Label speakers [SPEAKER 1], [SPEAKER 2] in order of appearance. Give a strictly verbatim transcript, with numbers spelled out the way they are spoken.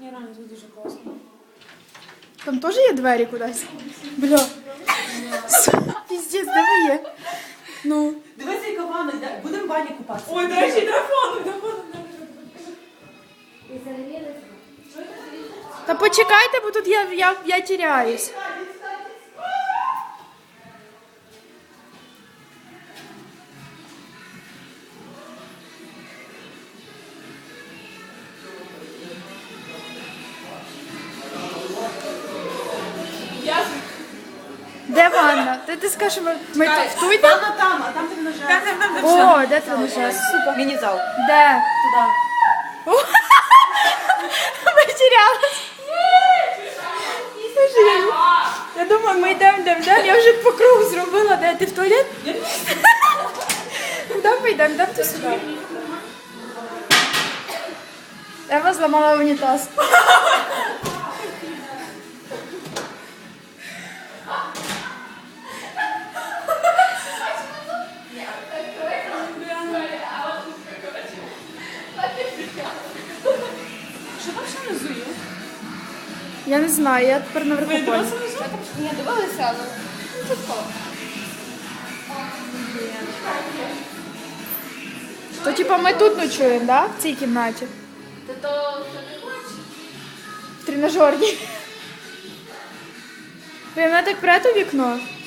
[SPEAKER 1] Ні, реально, це дуже класно.
[SPEAKER 2] Там теж є двері кудись? Бля. Піздець, де ви є? Ну.
[SPEAKER 3] Дивися, яка ванна, йде. Будемо в ванні купатися.
[SPEAKER 1] Ой, до речі, драконом, драконом.
[SPEAKER 2] Та почекайте, бо тут я, я, я тіряюсь.
[SPEAKER 1] Я
[SPEAKER 2] Де ванна? Ти, ти скажеш, ми, ми тут в туй там?
[SPEAKER 3] Ванна там, а там тренажер.
[SPEAKER 1] там, там, там,
[SPEAKER 2] О, де тренажер? Супер.
[SPEAKER 3] Міні-зал.
[SPEAKER 2] Де?
[SPEAKER 3] Туди.
[SPEAKER 2] Ми тірялись. Слушай, я, я думаю, ми йдемо, йдемо, йдемо. Я вже по кругу зробила. Де? Ти в туалет? Куди ми йдемо? Йдемо ти сюди. Ева зламала унітаз.
[SPEAKER 1] Що там ще внизу є?
[SPEAKER 2] Я не знаю, я тепер наверху
[SPEAKER 1] Ви
[SPEAKER 2] поняла.
[SPEAKER 1] дивилися внизу? Ні, дивилися, але... Ну, тут кого?
[SPEAKER 2] То типа ми тут ночуємо, да? В цій кімнаті?
[SPEAKER 1] Та то хто не хоче.
[SPEAKER 2] В тренажерній. Ви мене так прете у вікно?